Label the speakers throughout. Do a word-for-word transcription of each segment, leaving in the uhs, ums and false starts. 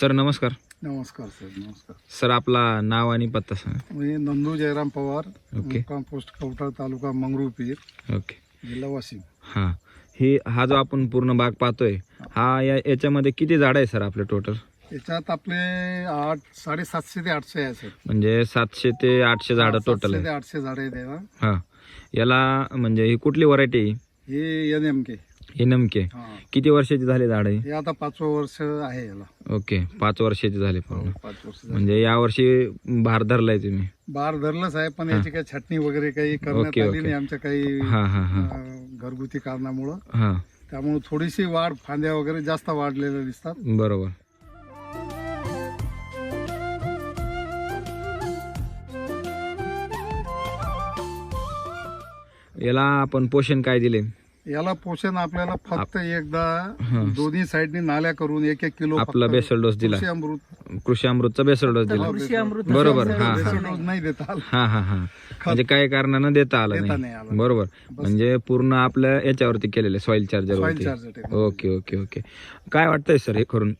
Speaker 1: Sir नमस्कार.
Speaker 2: नमस्कार sir. नमस्कार
Speaker 1: सर आपला नाव आणि पत्ता सांगा.
Speaker 2: मी नंदू जयराम पवार,
Speaker 1: ओके.
Speaker 2: मुक्काम पोस्ट कवठा, तालुका मंगरुळपीर,
Speaker 1: ओके.
Speaker 2: जिल्हा वाशिम.
Speaker 1: हां, हे हा जो आपण पूर्ण बाग पाहतोय हा या याच्यामध्ये किती झाड आहे सर आपले टोटल?
Speaker 2: याच्यात आपले आठ साडेसातशे ते आठशे आहे सर.
Speaker 1: म्हणजे सातशे ते आठशे झाडं टोटल
Speaker 2: सातशे
Speaker 1: आहे.
Speaker 2: ते आठशे झाडे आहेत याला.
Speaker 1: हां, याला म्हणजे ही कुठली व्हरायटी?
Speaker 2: हे एन एम के.
Speaker 1: हे नमके किती वर्षाची झाले झाड आहे?
Speaker 2: हे आता पाचवं वर्ष आहे याला.
Speaker 1: ओके, पाच वर्षाचे झाले पूर्ण.
Speaker 2: पाच वर्ष झाले.
Speaker 1: म्हणजे या वर्षी भार धरलाय तुम्ही?
Speaker 2: बार धरलंच आहे, पण याची काही छाटणी वगैरे काही करण्यात
Speaker 1: ओके,
Speaker 2: आली
Speaker 1: ओके.
Speaker 2: नाही आमच्या काही
Speaker 1: हां हां हां
Speaker 2: अं, घरगुती कारणामुळं.
Speaker 1: हां,
Speaker 2: त्यामुळे थोडीशी वाढ, फांद्या वगैरे जास्त वाढलेल्या दिसतात.
Speaker 1: बरोबर. याला आपण पोषण काय दिले?
Speaker 2: याला पोषण आपल्याला फक्त एकदा दोन्ही साईडनी नाल्या करून एक एक किलो
Speaker 1: आपला
Speaker 2: फक्त
Speaker 1: बेसल डोस दिला,
Speaker 2: कृषी अमृत.
Speaker 1: कृषी अमृतचा बेसल डोस दिला.
Speaker 3: कृषी अमृत
Speaker 1: बरोबर.
Speaker 2: कृषी
Speaker 1: हा
Speaker 2: अमृत
Speaker 1: हा
Speaker 2: बेसल डोस नाही देता आला.
Speaker 1: हा हा हा म्हणजे काही कारणानं देता आलं
Speaker 2: देता
Speaker 1: नाही.
Speaker 2: नाही आला.
Speaker 1: बरोबर. म्हणजे पूर्ण आपल्या याच्यावरती केलेले सॉइल चार्जर
Speaker 2: Soil
Speaker 1: वरती.
Speaker 2: charger technology.
Speaker 1: Okay okay okay. काय वाटतंय सर हे करून?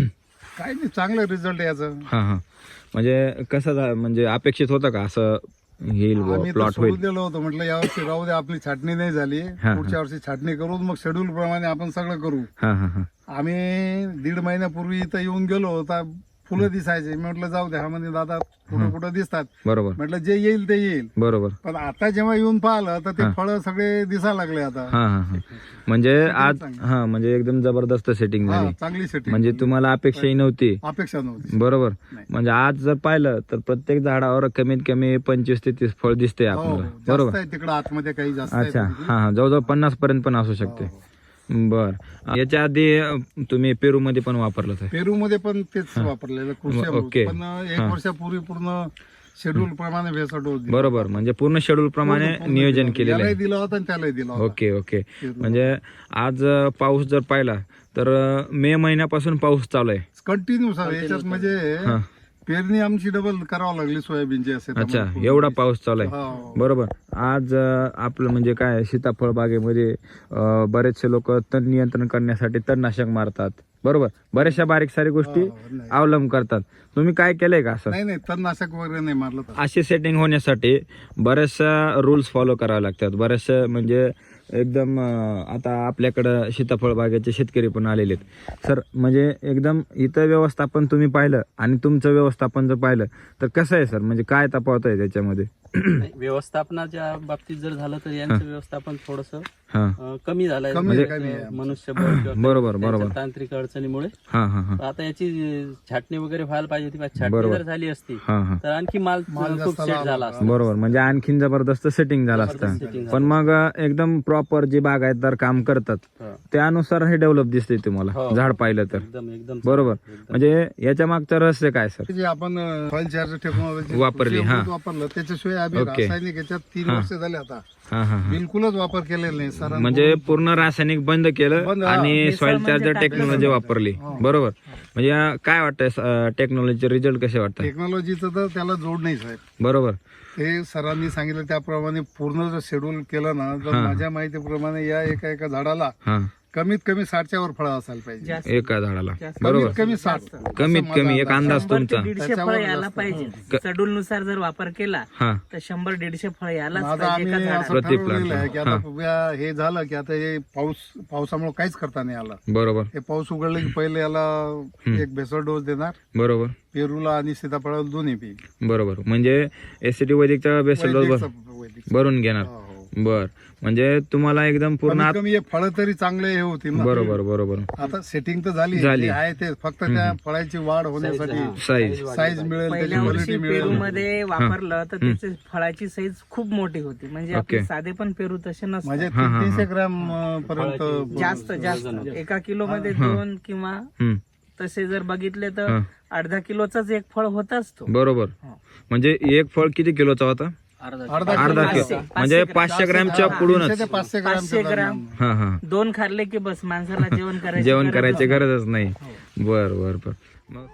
Speaker 2: काय नाही, चांगलं रिझल्ट याचं.
Speaker 1: हा हा म्हणजे कसं झा- म्हणजे अपेक्षित होतं का असं येईल
Speaker 2: आम्ही तर
Speaker 1: प्लॉट
Speaker 2: सोडून
Speaker 1: होईल?
Speaker 2: दिलं होतं, म्हटलं यावर्षी राहू दे, आपली छाटणी नाही झाली,
Speaker 1: हा.
Speaker 2: पुढच्या वर्षी छाटणी करू, मग शेड्यूल प्रमाणे आपण सगळं करू.
Speaker 1: हा हा हा
Speaker 2: आम्ही दीड महिन्यापूर्वी इथं येऊन गेलो होता, फुलं दिसायचे. मी म्हटलं जाऊ दे, हा म्हणजे दादा कुठं कुठं दिसतात,
Speaker 1: बरोबर
Speaker 2: म्हटलं जे येईल ते येईल.
Speaker 1: बरोबर.
Speaker 2: पण आता जेव्हा येऊन पाहिलं तर ते फळं सगळे दिसायला लागले आता.
Speaker 1: हा हा हा म्हणजे आज
Speaker 2: चांगली.
Speaker 1: हा म्हणजे एकदम जबरदस्त सेटिंग
Speaker 2: हा,
Speaker 1: झाली.
Speaker 2: चांगली सेटिंग.
Speaker 1: म्हणजे तुम्हाला अपेक्षाही नव्हती.
Speaker 2: अपेक्षा नव्हती.
Speaker 1: बरोबर.
Speaker 2: नाही.
Speaker 1: म्हणजे आज जर पाहिलं तर प्रत्येक झाडावर कमीत कमी पंचवीस ते तीस फळ दिसते
Speaker 2: हो,
Speaker 1: आपल्याला.
Speaker 2: जास्त
Speaker 1: बरोबर.
Speaker 2: आहे तिकडं आतमध्ये, काही जास्त आहे
Speaker 1: अच्छा.
Speaker 2: तिकडे.
Speaker 1: हा हा जवळजवळ पन्नास पर्यंत पण असू शकते.
Speaker 2: हो.
Speaker 1: बर. याच्या आधी अ, तुम्ही पेरू मध्ये पण वापरलं ते?
Speaker 2: पेरू मध्ये पण तेच वापरलेलं कृषी अमृत.
Speaker 1: ओके.
Speaker 2: पण एक वर्षापूर्वी पूर्ण शेड्यूल प्रमाणे भेसळ डोस दिला.
Speaker 1: बरोबर. म्हणजे पूर्ण शेड्यूल प्रमाणे
Speaker 2: पूर्ण- पूर्ण
Speaker 1: नियोजन
Speaker 2: दिला.
Speaker 1: केलेलं
Speaker 2: यालाही
Speaker 1: आहे.
Speaker 2: दिला होता आणि त्यालाही दिला होता.
Speaker 1: Okay okay.
Speaker 2: पेरू.
Speaker 1: म्हणजे आज अ, पाऊस जर पाहिला तर अ, मे महिन्यापासून पाऊस चालू आहे.
Speaker 2: कंटिन्यू सर याच्यात म्हणजे
Speaker 1: हा.
Speaker 2: पेरणी आमची डबल करावं लागली सोयाबीनची असे.
Speaker 1: अच्छा, एवढा पाऊस चालू आहे.
Speaker 2: हो.
Speaker 1: बरोबर. आज अ, आपलं म्हणजे काय सीताफळ बागेमध्ये अ, बरेचसे लोक तण नियंत्रण करण्यासाठी तणनाशक मारतात. बरोबर. बऱ्याचशा बारीक सारी गोष्टी
Speaker 2: हो, नाही.
Speaker 1: अवलंब करतात. तुम्ही काय केलंय का असं?
Speaker 2: नाही नाही, तणनाशक वगैरे नाही मारलं तर.
Speaker 1: अशी सेटिंग होण्यासाठी बऱ्याचशा रूल्स फॉलो करावे लागतात. बऱ्याचशा म्हणजे एकदम अं, आता आपल्याकडं सीताफळ बागेचे शेतकरी पण आलेले आहेत सर. म्हणजे एकदम इथं व्यवस्थापन तुम्ही पाहिलं आणि तुमचं व्यवस्थापन जर पाहिलं तर कसं आहे सर? म्हणजे काय तफावत आहे त्याच्यामध्ये?
Speaker 3: नाही, व्यवस्थापनाच्या बाबतीत जर झालं तर यांचं व्यवस्थापन थोडस
Speaker 1: हा
Speaker 3: कमी झालंय.
Speaker 2: कमी
Speaker 3: म्हणजे
Speaker 2: कमी आहे.
Speaker 3: मनुष्यबळ किंवा
Speaker 1: बरोबर,
Speaker 3: त्यांच्या
Speaker 1: बरोबर.
Speaker 3: तांत्रिक अडचणीमुळे.
Speaker 1: हा हा हा
Speaker 3: आता याची छाटणी वगैरे व्हायला पाहिजे होती. पण छाटणी
Speaker 1: बरोबर.
Speaker 3: जर झाली असती
Speaker 1: हा हा
Speaker 3: तर आणखी माल
Speaker 2: माल
Speaker 3: खूप
Speaker 2: जास्त
Speaker 3: सेट झाला असता.
Speaker 1: बरोबर. म्हणजे आणखीन जबरदस्त सेटिंग झालं
Speaker 3: जबरदस्त
Speaker 1: असतं.
Speaker 3: setting
Speaker 1: पण मग अ, एकदम प्रॉपर जे बागायतदार काम करतात
Speaker 3: हो.
Speaker 1: त्यानुसार हे डेव्हलप दिसते तुम्हाला
Speaker 3: हो.
Speaker 1: झाड पाहिलं तर.
Speaker 3: एकदम एकदम
Speaker 1: बरोबर.
Speaker 3: एकदम.
Speaker 1: म्हणजे याच्या मागचं रहस्य काय सर?
Speaker 2: जे आपण सॉइल चार्जर टेक्नॉलॉजी
Speaker 1: वापरली, हा.
Speaker 2: वापरलं, त्याच्याशिवाय आम्ही
Speaker 1: ओके.
Speaker 2: रासायनिक याच्यात तीन
Speaker 1: हा.
Speaker 2: वर्ष झाले आता
Speaker 1: हा हा हा
Speaker 2: बिलकुलच वापर केलेला नाही सर.
Speaker 1: म्हणजे पूर्ण रासायनिक बंद केलं
Speaker 2: बंद, हा.
Speaker 1: आणि
Speaker 3: मिसळ
Speaker 1: सॉइल
Speaker 3: म्हणजे
Speaker 1: चार्जर
Speaker 3: टाकलं
Speaker 1: टेक्नॉलॉजी
Speaker 3: समजा.
Speaker 1: वापरली.
Speaker 2: हो.
Speaker 1: बरोबर. म्हणजे अ, काय वाटतंय टेक्नॉलॉजीचे रिझल्ट कसे वाटतात?
Speaker 2: टेक्नॉलॉजीचं तर त्याला जोड नाही साहेब.
Speaker 1: बरोबर.
Speaker 2: ते सरांनी सांगितलं त्याप्रमाणे पूर्ण जर शेड्यूल केलं ना, तर
Speaker 1: हा.
Speaker 2: माझ्या माहितीप्रमाणे या एका एका झाडाला
Speaker 1: हा
Speaker 2: कमीत कमी साठच्या वर फळं असायला पाहिजे.
Speaker 3: जास्त.
Speaker 1: एका झाडाला.
Speaker 3: जास्त.
Speaker 1: बरोबर.
Speaker 2: कमीत कमी साठ.
Speaker 1: कमीत
Speaker 2: असं माझा
Speaker 1: कमी एक अंदाज
Speaker 3: शंभर ते
Speaker 1: तुमचा.
Speaker 3: दीडशे
Speaker 2: त्याच्यावर
Speaker 3: फळ यायला
Speaker 2: जास्त.
Speaker 3: पाहिजे. शेड्यूल नुसार जर वापर केला
Speaker 1: हा
Speaker 3: तर शंभर दीडशे फळ यायलाच
Speaker 2: आता
Speaker 3: पाहिजे
Speaker 2: आम्ही
Speaker 3: एका
Speaker 2: असं
Speaker 3: झाडाला.
Speaker 1: प्रति
Speaker 2: ठरवलेलं
Speaker 1: plant.
Speaker 2: आहे की आता या- हे झालं की आता हे पाऊस पावसामुळे काहीच करता नाही आलं.
Speaker 1: बरोबर.
Speaker 2: हे पाऊस उघडलं की पहिले याला एक भेसळ डोस देणार,
Speaker 1: बरोबर.
Speaker 2: पेरूला आणि सीताफळाला दोन्ही पी.
Speaker 1: बरोबर. म्हणजे एसीटी वैदिकचा बेसल डोस
Speaker 2: वैदिक- वैदिक.
Speaker 1: भरून घेणार.
Speaker 2: हो, हो.
Speaker 1: बर. म्हणजे तुम्हाला एकदम पूर्ण
Speaker 2: कमीत
Speaker 1: आत-
Speaker 2: कमी हे फळं तरी चांगले हे होतील ना.
Speaker 1: बरोबर बरोबर.
Speaker 2: आता सेटिंग तर झाली
Speaker 1: झाली.
Speaker 2: जे आहे ते फक्त त्या फळाची वाढ होण्यासाठी
Speaker 1: साईज.
Speaker 2: साईज मिळेल, त्याची
Speaker 3: पहिल्या वर्षी
Speaker 2: क्वालिटी
Speaker 3: पेरू
Speaker 2: मिळेल.
Speaker 3: मध्ये वापरलं तर त्याची फळाची साईज खूप मोठी होती. म्हणजे आपले
Speaker 1: ओके.
Speaker 3: साधे पण पेरू तसे
Speaker 2: म्हणजे
Speaker 3: नसतात.
Speaker 1: हा, हा,
Speaker 2: तीन- तीनशे ग्रॅम अं, पर्यंत
Speaker 3: जास्त जास्त एका किलो मध्ये दोन किंवा
Speaker 1: हम्म.
Speaker 3: तसे जर बघितले तर
Speaker 1: हा.
Speaker 3: अर्धा किलोचाच एक फळ होताच तो.
Speaker 1: बरोबर. म्हणजे एक फळ किती किलोचा होता?
Speaker 2: अर्धा
Speaker 1: अर्धा
Speaker 2: किलो.
Speaker 1: किलो.
Speaker 3: पाचशे-
Speaker 1: म्हणजे
Speaker 3: पाचशे
Speaker 1: पाचशे ग्रॅमच्या
Speaker 2: तीनशे
Speaker 1: पुढूनच.
Speaker 2: ते पाचशे ग्रॅम
Speaker 3: पाचशे ग्रॅम.
Speaker 1: हा हा
Speaker 3: दोन खाल्ले की बस माणसाला जेवण करायचं
Speaker 1: जेवण करायची गरजच नाही. बर बर बर. मग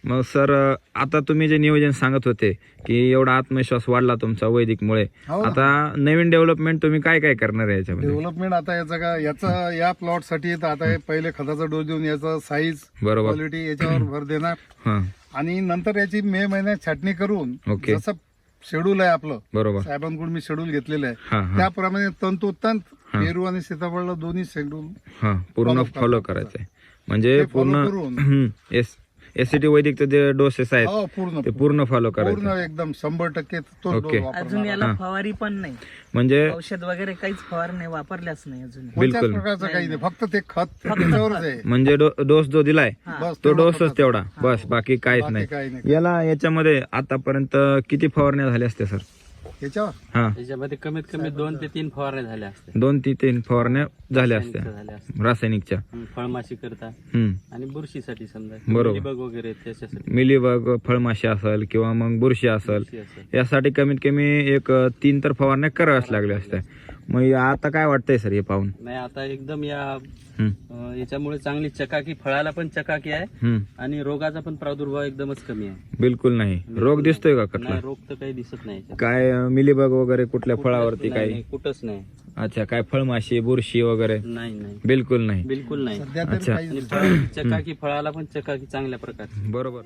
Speaker 1: मग सर आता तुम्ही जे नियोजन सांगत होते की एवढा आत्मविश्वास वाढला तुमचा वैदिकमुळे,
Speaker 2: हो ना.
Speaker 1: आता नवीन डेव्हलपमेंट तुम्ही काय काय करणार आहे याच्यामध्ये?
Speaker 2: डेव्हलपमेंट आता याचं का याचा या प्लॉट साठी तर आता हे पहिले खताचा डोस देऊन याचा साईज
Speaker 1: बरोबर.
Speaker 2: क्वालिटी याच्यावर भर देणार
Speaker 1: हा,
Speaker 2: आणि नंतर याची मे महिन्यात छाटणी करून
Speaker 1: ओके.
Speaker 2: जसं शेड्यूल आहे आपलं
Speaker 1: बरोबर.
Speaker 2: साहेबांकडून मी शेड्यूल घेतलेलं आहे
Speaker 1: हा हा
Speaker 2: त्याप्रमाणे तंतोतंत पेरू आणि सीताफळला दोन्ही शेड्यूल
Speaker 1: हा पूर्ण
Speaker 2: follow
Speaker 1: फॉलो
Speaker 2: करायचं.
Speaker 1: करायचंय म्हणजे
Speaker 2: ते follow
Speaker 1: पूर्ण
Speaker 2: करून.
Speaker 1: एस एससीटी वैदिकचे जे डोसेस आहेत
Speaker 2: हो पूर्ण
Speaker 1: ते पूर्ण फॉलो करायचे.
Speaker 2: पूर्ण एकदम शंभर टक्के तो
Speaker 1: ओके.
Speaker 2: डोस वापरणार.
Speaker 4: अजून याला फवारी पण नाही,
Speaker 1: म्हणजे
Speaker 4: औषध वगैरे काहीच फवारणी वापरल्याच नाही अजून.
Speaker 2: कोणत्याच
Speaker 1: बिलकुल.
Speaker 2: प्रकारचं काही नाही फक्त ते खत त्याच्यावरच आहे
Speaker 1: म्हणजे डोस जो दिलाय
Speaker 2: बस
Speaker 1: तो
Speaker 2: तेवढं
Speaker 1: डोसच
Speaker 2: फक्त.
Speaker 1: तेवढा बस, बाकी काहीच
Speaker 2: बाकी
Speaker 1: नाही.
Speaker 2: काही नाही
Speaker 1: याला याच्यामध्ये आतापर्यंत किती फवारण्या झाल्या असत्या सर?
Speaker 2: याच्यावर
Speaker 1: हा,
Speaker 3: त्याच्यामध्ये कमीत कमी दोन ते तीन फवारण्या झाल्या असते
Speaker 1: दोन ते तीन फवारण्या झाल्या असत्या
Speaker 3: झाल्या असते
Speaker 1: रासायनिकच्या.
Speaker 3: हं, फळमाशी करता
Speaker 1: हम्म,
Speaker 3: आणि बुरशीसाठी समजा
Speaker 1: बरोबर.
Speaker 3: बग वगैरे त्याच्यासाठी
Speaker 1: मिलीबग, फळमाशी असेल किंवा मग बुरशी असेल,
Speaker 3: बुरशी असेल.
Speaker 1: यासाठी कमीत कमी एक अ, तीन तर फवारण्या कराव्याच लागल्या असत्या. मग आता काय वाटतंय सर हे पाहून?
Speaker 3: नाही आता एकदम या
Speaker 1: हम्म,
Speaker 3: अं, याच्यामुळे चांगली चकाकी, फळाला पण चकाकी आहे
Speaker 1: हम्म,
Speaker 3: आणि रोगाचा पण प्रादुर्भाव एकदमच कमी आहे.
Speaker 1: बिलकुल नाही. रोग दिसतोय का
Speaker 3: नाही,
Speaker 1: कुठला?
Speaker 3: रोग तर काही दिसत नाही याच्यात.
Speaker 1: काय अ, मिलीबग वगैरे कुठल्या फळावरती
Speaker 3: नाही,
Speaker 1: काही?
Speaker 3: नाही, कुठंच नाही.
Speaker 1: अच्छा, काय फळमाशी, बुरशी वगैरे?
Speaker 3: नाही नाही
Speaker 1: बिलकुल नाही.
Speaker 3: बिलकुल नाही.
Speaker 2: सध्या तरी
Speaker 1: अच्छा.
Speaker 2: काही
Speaker 3: आणि फळाची चकाकी, फळाला पण चकाकी चांगल्या प्रकारे.
Speaker 1: बरोबर.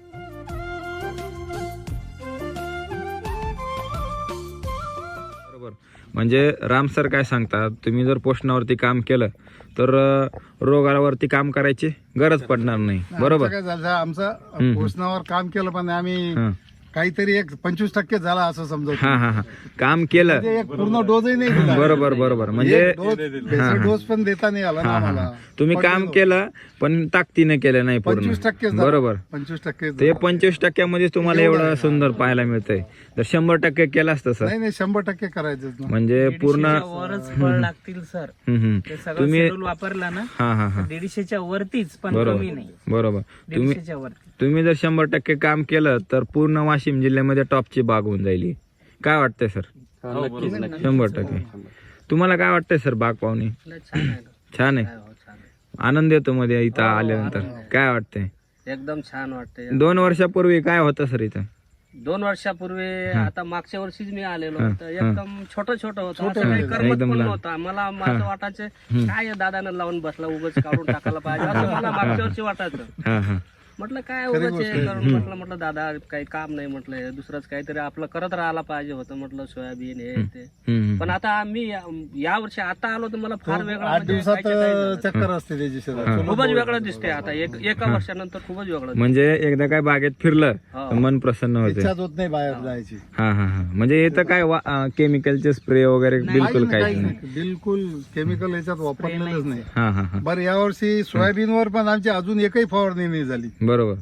Speaker 1: बरोबर. म्हणजे राम सर काय सांगतात, तुम्ही जर पोषणावरती काम केलं तर अ, रोगावरती काम करायची गरज पडणार नाही. बरोबर.
Speaker 2: आमचं काय झालं आमचं पोषणावर काम केलं पण आम्ही
Speaker 1: हा
Speaker 2: काहीतरी एक पंचवीस टक्के झाला असं समजतो
Speaker 1: हा हा हा काम केलं.
Speaker 2: म्हणजे एक पूर्ण डोसही नाही दिला
Speaker 1: बरोबर बरोबर. म्हणजे
Speaker 2: एक डोस बेसिक डोस पण देता नाही आला ना
Speaker 1: हा हा
Speaker 2: आम्हाला
Speaker 1: हा. तुम्ही काम केलं पण ताकदीने केलं नाही पूर्ण.
Speaker 2: पंचवीस टक्के
Speaker 1: बरोबर.
Speaker 2: पंचवीस टक्के
Speaker 1: ते पंचवीस टक्क्यामध्ये तुम्हाला एवढं सुंदर पाहायला मिळतंय. तर शंभर टक्के केलं असतं सर
Speaker 2: नाही नाही शंभर टक्के करायचंच ना
Speaker 1: म्हणजे पूर्ण.
Speaker 4: दीडशेच्या वरच फळ लागतील सर.
Speaker 1: हम्म, हम्म.
Speaker 4: ते सगळं
Speaker 1: तुम्ही
Speaker 4: शेड्यूल वापरला ना
Speaker 1: हा हा हा
Speaker 4: दीडशेच्या वरतीच, पण
Speaker 1: बरोबर
Speaker 4: कमी नाही.
Speaker 1: बरोबर. तुम्ही
Speaker 4: दीडशेच्या वरती.
Speaker 1: तुम्ही जर शंभर टक्के काम केलं तर पूर्ण वाशिम जिल्ह्यामध्ये टॉपची बाग होऊन जाईल. काय वाटतंय सर?
Speaker 3: हो, नक्कीच नक्कीच.
Speaker 1: शंभर टक्के. तुम्हाला काय वाटतंय सर बाग पाहुणे?
Speaker 4: छान आहे ना.
Speaker 1: छान आहे.
Speaker 4: हो, छान आहे.
Speaker 1: आनंद येतो मध्ये इथं आल्यानंतर. काय वाटतंय?
Speaker 4: एकदम छान वाटते.
Speaker 1: दोन वर्षापूर्वी काय होतं सर इथं?
Speaker 4: दोन वर्षापूर्वी आता मागच्या वर्षीच मी आलेलो होतो. एकदम छोटं छोटं होतं, असं काही करमत
Speaker 1: एकदम
Speaker 4: पण
Speaker 1: लहान.
Speaker 4: नव्हतं. मला माझं वाटायचं काय या दादानं लावून बसला, उगाच काढून टाकायला पाहिजे असं मला मागच्या वर्षी वाटायचं.
Speaker 1: हा हा
Speaker 4: म्हटलं काय उगाच हे करून म्हटलं म्हटलं दादा काही काम नाही, म्हटलं दुसरंच काहीतरी आपलं करत राहायला पाहिजे होतं, म्हटलं सोयाबीन हे ते.
Speaker 1: हम्म.
Speaker 4: पण आता आम्ही या वर्षी आता आलो तर मला फार वेगळं
Speaker 2: आठ
Speaker 4: म्हणजे
Speaker 2: दिवसात
Speaker 4: काहीच्या काही झालं.
Speaker 2: चक्कर असते त्याची शेतात.
Speaker 4: खूपच वेगळं दिसते आता एक एका वर्षानंतर खूपच वेगळं दिसतंय.
Speaker 1: म्हणजे एकदा काय बागेत फिरलं
Speaker 4: हो.
Speaker 1: तर मन प्रसन्न होते.
Speaker 2: इच्छाच होत नाही बाहेर जायची
Speaker 1: हा हा हा म्हणजे इथं काय केमिकलचे स्प्रे वगैरे बिलकुल
Speaker 2: काही
Speaker 1: काहीच नाही.
Speaker 2: नाही. बिलकुल केमिकल याच्यात वापरलेलंच नाही
Speaker 1: हा हा हा
Speaker 2: बरं यावर्षी सोयाबीनवर पण आमची अजून एकही फवारणी नाही झाली.
Speaker 1: बरोबर.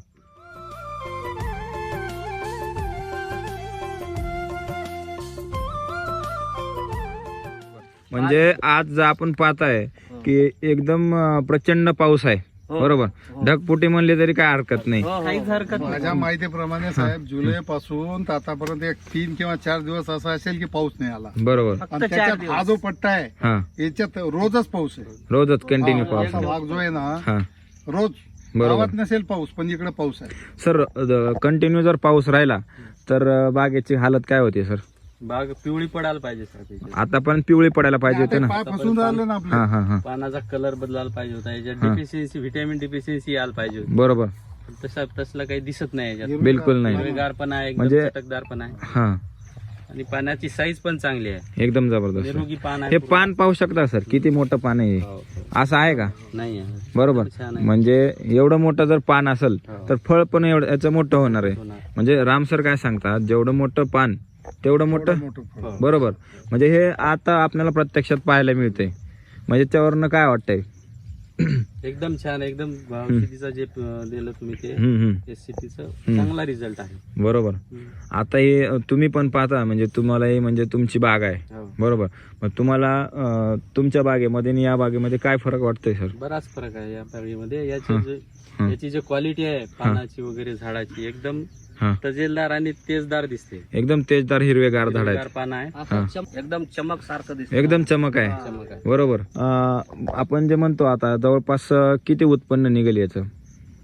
Speaker 1: म्हणजे आज जर आपण पाहताय की एकदम अं, प्रचंड पाऊस आहे. बरोबर. ढगफुटी म्हणली तरी काय हरकत नाही.
Speaker 4: काहीच हरकत नाही.
Speaker 2: माझ्या माहितीप्रमाणे साहेब जुलै पासून तर आतापर्यंत एक तीन किंवा चार दिवस असा असेल की पाऊस नाही आला
Speaker 1: बरोबर.
Speaker 4: फक्त
Speaker 2: आणि
Speaker 4: चार
Speaker 2: त्याच्यात
Speaker 4: दिवस.
Speaker 2: हा जो पट्टा आहे
Speaker 1: हा
Speaker 2: याच्यात रोजच पाऊस आहे.
Speaker 1: रोजच कंटिन्यू पाऊस
Speaker 2: असा
Speaker 1: आहे.
Speaker 2: भाग जो आहे ना
Speaker 1: हा
Speaker 2: रोज
Speaker 1: बरोबर.
Speaker 2: गावात नसेल पाऊस पण इकडे पाऊस आहे.
Speaker 1: सर कंटिन्यू जर पाऊस राहिला तर अं, बागेची हालत काय होती सर?
Speaker 3: बाग पिवळी पडायला पाहिजे सर त्याची.
Speaker 1: आता पण पिवळी पडायला पाहिजे होते
Speaker 2: आता
Speaker 1: ना.
Speaker 2: पाय फसून राहिले ना आपले.
Speaker 1: हा हा हा
Speaker 3: पानाचा कलर बदलायला पाहिजे होता, याच्यात डिफिशियन्सी, व्हिटॅमिन डिफिशियन्सी यायला पाहिजे होती.
Speaker 1: बरोबर.
Speaker 3: पण तसं तसलं काही दिसत नाही याच्यात.
Speaker 1: बिलकुल नाही.
Speaker 3: हिरवेगार पण आहे, एकदम
Speaker 1: म्हणजे-
Speaker 3: चटकदार पण आहे
Speaker 1: हा
Speaker 3: आणि पानाची साईज पण चांगली आहे.
Speaker 1: एकदम जबरदस्त.
Speaker 3: निरोगी पान आहे.
Speaker 1: हे पान पाहू शकता सर किती मोठं पान आहे हे.
Speaker 3: हो, हो.
Speaker 1: असं आहे का?
Speaker 3: नाही आहे.
Speaker 1: बरोबर.
Speaker 3: छान आहे.
Speaker 1: म्हणजे एवढं मोठं जर पान असेल
Speaker 3: हो.
Speaker 1: तर फळ पण एवढं याचं मोठं होणार आहे.
Speaker 3: होणार.
Speaker 1: म्हणजे राम सर काय सांगतात, जेवढं मोठं पान तेवढं मोठं.
Speaker 2: मोठं फळ.
Speaker 3: हो.
Speaker 1: बरोबर. म्हणजे हे आता आपल्याला प्रत्यक्षात पाहायला मिळतंय. म्हणजे त्यावरनं काय वाटतंय?
Speaker 3: एकदम छान, एकदम औषधीचं जे अं, दिलं तुम्ही ते
Speaker 1: हम्म, हम्म.
Speaker 3: एससीटीचं चांगला रिझल्ट आहे.
Speaker 1: बरोबर.
Speaker 3: हम्म.
Speaker 1: आता हे तुम्ही पण पाहता म्हणजे तुम्हाला हे म्हणजे तुमची बाग आहे.
Speaker 3: हो.
Speaker 1: बरोबर. मग तुम्हाला अं, तुमच्या बागेमध्ये आणि या बागेमध्ये काय फरक वाटतोय सर?
Speaker 3: बराच फरक आहे या बागेमध्ये. याची जे याची जी क्वालिटी आहे पानाची वगैरे झाडाची एकदम
Speaker 1: हा
Speaker 3: तजेलदार आणि तेजदार दिसते.
Speaker 1: एकदम तेजदार हिरवेगार झाड
Speaker 3: हिरवेगार
Speaker 1: आहेत.
Speaker 3: पान आहे.
Speaker 4: असं चम- एकदम चमक सारखं दिसत.
Speaker 1: एकदम चमक आहे.
Speaker 3: चमक आहे.
Speaker 1: बरोबर. अं, आपण जे म्हणतो आता जवळपास अं, किती उत्पन्न निघेल याचं?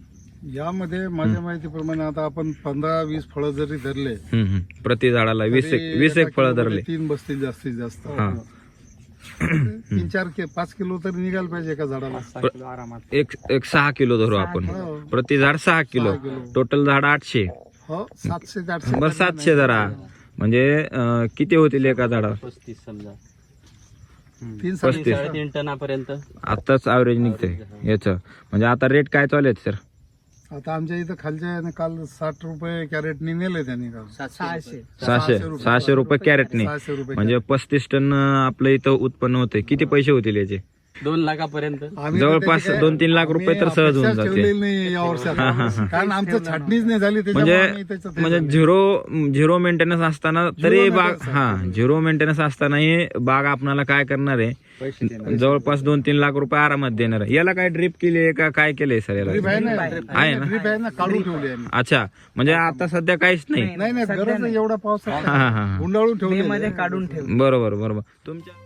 Speaker 2: यामध्ये माझ्या माहितीप्रमाणे आता आपण पंधरा वीस फळं जरी धरले
Speaker 1: हम्म, हम्म. प्रति झाडाला वीस
Speaker 2: तरी
Speaker 1: एक वीस एक
Speaker 2: एका
Speaker 1: फळं
Speaker 2: किलोमध्ये
Speaker 1: धरले
Speaker 2: तीन बसतील जास्तीत जास्त
Speaker 1: हा.
Speaker 2: तीन चार कि- पाच किलो तरी निघायला पाहिजे एका झाडाला.
Speaker 3: आरामात
Speaker 1: एक एक सहा किलो धरू आपण प्रति झाड सहा किलो टोटल झाड आठशे
Speaker 2: हो सातशे ते आठशे
Speaker 1: बरं सातशे धरा म्हणजे अं, किती होतील एका झाडावर
Speaker 3: पस्तीस समजा
Speaker 2: तीन साडे
Speaker 1: पस्तीस
Speaker 3: साडेतीन टनापर्यंत
Speaker 1: आताच ॲव्हरेज निघतंय याचं म्हणजे आता रेट काय चालू आहेत सर
Speaker 2: आता आमच्या इथं खालच्या याने काल साठ रुपये कॅरेटनी नेले त्यांनी काल
Speaker 4: सहाशे
Speaker 1: सहाशे सहाशे रुपये कॅरेटने
Speaker 2: सहाशे रुपये
Speaker 1: म्हणजे पस्तीस टन अं, आपलं इथं उत्पन्न होते किती पैसे होतील याचे
Speaker 3: दोन लाखापर्यंत
Speaker 2: आम्ही तर
Speaker 1: जवळपास
Speaker 2: त्याची काय-
Speaker 1: दोन तीन लाख रुपये तर सहज होऊन
Speaker 2: अपेक्षाच
Speaker 1: जाते
Speaker 2: ठेवलेली नाही या वर्षात कारण आमचं छाटणीच नाही झाली त्याच्यामुळे आम्ही
Speaker 1: म्हणजे
Speaker 2: त्याच्यात हे
Speaker 1: म्हणजे
Speaker 2: झालो.
Speaker 1: झिरो झिरो मेंटेनन्स असताना तरी
Speaker 2: Zero
Speaker 1: बाग
Speaker 2: maintenance
Speaker 1: हा झिरो मेंटेनन्स असतानाही बाग आपल्याला काय करणार आहे जवळपास दोन तीन लाख रुपये आरामात देणार आहे याला काय ड्रिप केली आहे का काय केलंय सर याला
Speaker 2: ड्रीप आहे ना
Speaker 1: आहे ना?
Speaker 2: ड्रीप आहे ना काढून ठेवली आम्ही
Speaker 1: अच्छा म्हणजे आता सध्या काहीच नाही
Speaker 2: नाही नाही गरज आहे एवढा पाऊस
Speaker 1: हा हा हा
Speaker 2: गुंडाळून ठेवली
Speaker 4: मध्ये काढून ठेव.
Speaker 1: बरोबर बरोबर तुमच्या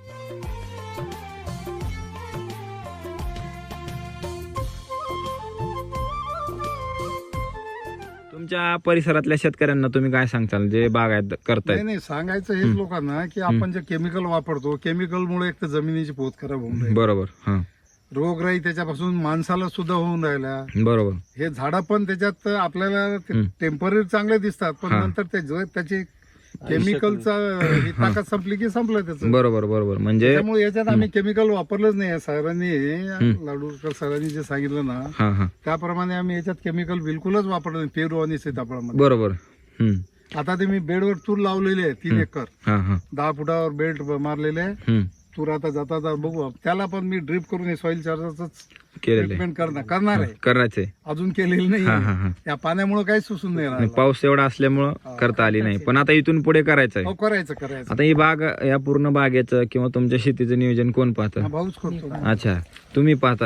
Speaker 1: तुमच्या परिसरातल्या शेतकऱ्यांना तुम्ही काय सांगताल जे बागायत
Speaker 2: नाही
Speaker 1: करतायत
Speaker 2: नाही सांगायचं हेच लोकांना की आपण जे केमिकल वापरतो केमिकलमुळे एक तर जमिनीची पोत खराब होऊन राहिली
Speaker 1: बरोबर हा
Speaker 2: रोगराई त्याच्यापासून माणसाला सुद्धा होऊन राहिल्या
Speaker 1: बरोबर
Speaker 2: हे झाडं पण त्याच्यात आपल्याला
Speaker 1: हम्म.
Speaker 2: टेम्पररी चांगले दिसतात पण
Speaker 1: हा.
Speaker 2: नंतर ते जो त्याची केमिकलचा ही ताकद संपली की संपलं त्याचं
Speaker 1: बरोबर बरोबर म्हणजे
Speaker 2: त्यामुळे याच्यात आम्ही केमिकल वापरलंच नाही सरांनी लाडूरकर सरांनी जे सांगितलं ना
Speaker 1: हा हा
Speaker 2: त्याप्रमाणे आम्ही याच्यात केमिकल बिलकुलच वापरलं नाही पेरू आणि सीताफळामध्ये
Speaker 1: बरोबर हम्म
Speaker 2: आता ते मी बेडवर तूर लावलेली आहे तीन एकर
Speaker 1: हा हा
Speaker 2: दहा फुटावर बेल्ट मारलेले आहे
Speaker 1: हम्म
Speaker 2: तूर आता जाता जाता बघू त्याला पण मी ड्रिप करून सॉइल चार्जरच
Speaker 1: केलेलं आहे
Speaker 2: ट्रीटमेंट करणार करणार आहे
Speaker 1: करायचंय
Speaker 2: अजून केलेलं
Speaker 1: हा हा
Speaker 2: नाही
Speaker 1: हा
Speaker 2: या पाण्यामुळे काही सुसून नाही
Speaker 1: आणि
Speaker 2: राहिलं.
Speaker 1: पाऊस एवढा असल्यामुळं करता आली नाही पण आता इथून पुढे करायचंय
Speaker 2: हो करायचं करायचं
Speaker 1: आता ही बाग या पूर्ण बागेचं किंवा तुमच्या शेतीचं नियोजन कोण
Speaker 2: हा,
Speaker 1: पाहतं
Speaker 2: भाऊच करतो
Speaker 1: अच्छा तुम्ही पाहता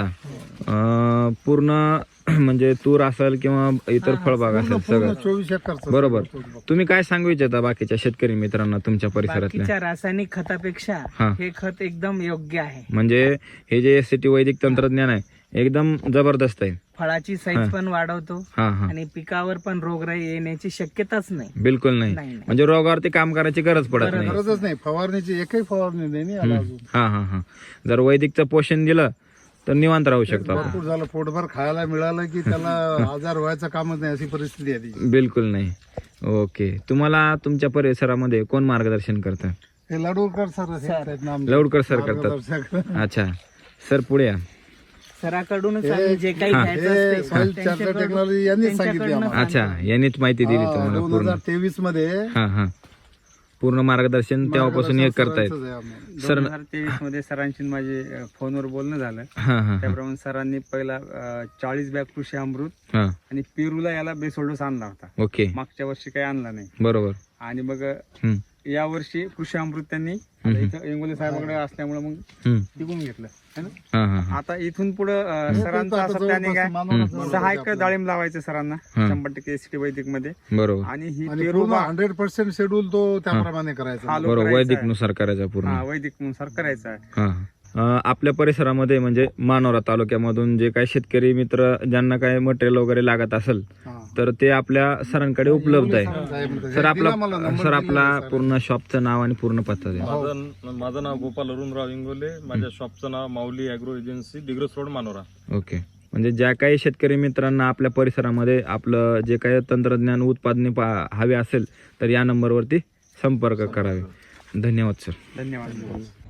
Speaker 1: अं, पूर्ण म्हणजे तूर असेल किंवा इतर फळबाग असेल सगळं
Speaker 2: चोवीस एकरचं
Speaker 1: बरोबर तुम्ही काय सांगू इच्छिता बाकीच्या शेतकरी मित्रांना तुमच्या परिसरातल्या
Speaker 5: बाकीच्या रासायनिक खतापेक्षा
Speaker 1: हा.
Speaker 5: हे खत एकदम योग्य आहे.
Speaker 1: म्हणजे हे जे एस सी टी वैदिक तंत्रज्ञान आहे एकदम जबरदस्त आहे
Speaker 5: फळाची
Speaker 1: हा.
Speaker 5: साईज पण वाढवतो
Speaker 1: हा हा
Speaker 5: आणि पिकावर पण रोगराई येण्याची शक्यताच नाही.
Speaker 1: बिलकुल नाही
Speaker 5: नाही, नाही.
Speaker 1: म्हणजे रोगावरती काम करायची गरज पडत नाही
Speaker 2: गरजच नाही फवारणीची एकही फवारणी नाही ना याला अजून
Speaker 1: हा हा हा जर वैदिकचं पोषण दिलं तर निवांत राहू शकतो आपण
Speaker 2: भरपूर झालं पोटभर खायला मिळालं की त्याला आजार व्हायचं कामच नाही अशी परिस्थिती आहे ती.
Speaker 1: बिलकुल नाही ओके तुम्हाला तुमच्या परिसरामध्ये कोण मार्गदर्शन करतं
Speaker 2: हे लाडूरकर सर आहेत ना आमचे.
Speaker 1: लवडकर सर करतात
Speaker 2: मार्गदर्शक.
Speaker 1: अच्छा सर पुढे या
Speaker 5: सराकडूनच
Speaker 2: हे-
Speaker 5: आम्ही जे काही
Speaker 2: हे
Speaker 5: घ्यायचं असते
Speaker 2: soil charger
Speaker 5: त्यांच्याकडून-
Speaker 2: technology यांनीच सांगितली
Speaker 5: त्यांच्याकडून
Speaker 2: आम्हाला.
Speaker 1: अच्छा यांनीच माहिती दिली तुम्हाला
Speaker 2: दोन
Speaker 1: पूर्ण
Speaker 2: हजार तेवीस मध्ये
Speaker 1: हा हा पूर्ण मार्गदर्शन तेव्हापासून हे करतायत
Speaker 2: सरांचंच आहे आम्हाला.
Speaker 1: सर
Speaker 6: दोन हजार तेवीस मध्ये सरांशी माझे अ, फोनवर बोलणं झालं
Speaker 1: हा हा
Speaker 6: त्याप्रमाणे सरांनी पहिला अ, चाळीस बॅग कृषी अमृत
Speaker 1: हा
Speaker 6: आणि पेरूला याला बेसोल्डोस आणला होता
Speaker 1: ओके
Speaker 6: मागच्या वर्षी काही आणला नाही
Speaker 1: बरोबर
Speaker 6: आणि मग
Speaker 1: हम्म,
Speaker 6: या वर्षी कृषी अमृत त्यांनी आता इथं इंगोले साहेबांकडे असल्यामुळे मग
Speaker 1: हम्म,
Speaker 6: टिकून घेतलं है ना
Speaker 1: हा हा हा
Speaker 6: आता इथून पुढे सरांचा
Speaker 2: आता
Speaker 6: असं प्लॅनिंग
Speaker 2: जवळपास
Speaker 6: आहे
Speaker 2: मानवनाचं
Speaker 6: सहा
Speaker 2: आहे
Speaker 6: एकर
Speaker 2: आपलं.
Speaker 6: डाळिंब लावायचं सरांना
Speaker 1: हा.
Speaker 6: शंभर टक्के एसटी वैदिक मध्ये
Speaker 1: बरोबर
Speaker 6: आणि ही
Speaker 2: आणि
Speaker 6: पेरू
Speaker 2: पूर्ण
Speaker 6: बा-
Speaker 2: हंड्रेड पर्सेंट शेड्यूल तो त्याप्रमाणे करायचा
Speaker 6: हा.
Speaker 1: बरोबर
Speaker 6: करायचं
Speaker 1: वैदिक
Speaker 6: आहे.
Speaker 1: नुसार करायचा पूर्ण
Speaker 6: हा वैदिक नुसार करायचं आहे
Speaker 1: हा अं, आपल्या परिसरामध्ये म्हणजे मानोरा तालुक्यामधून जे काही शेतकरी मित्र ज्यांना काही मटेरियल वगैरे लागत असेल
Speaker 2: हा.
Speaker 1: तर ते आपल्या सरांकडे उपलब्ध आहे
Speaker 2: साहेब-
Speaker 1: सर आपला
Speaker 2: दिला मला number
Speaker 1: सर
Speaker 2: दिला
Speaker 1: आपला
Speaker 2: सर.
Speaker 1: पूर्ण शॉपचं नाव आणि पूर्ण पत्ता द्या
Speaker 7: माझं माझं नाव गोपाल अरुणराव इंगोले माझ्या शॉपचं नाव Mauli agro agency Digras road Manora
Speaker 1: okay म्हणजे ज्या काही शेतकरी मित्रांना आपल्या परिसरामध्ये आपलं जे काही तंत्रज्ञान उत्पादने पा- हवे असेल तर या नंबरवरती संपर्क करावे धन्यवाद सर
Speaker 6: धन्यवाद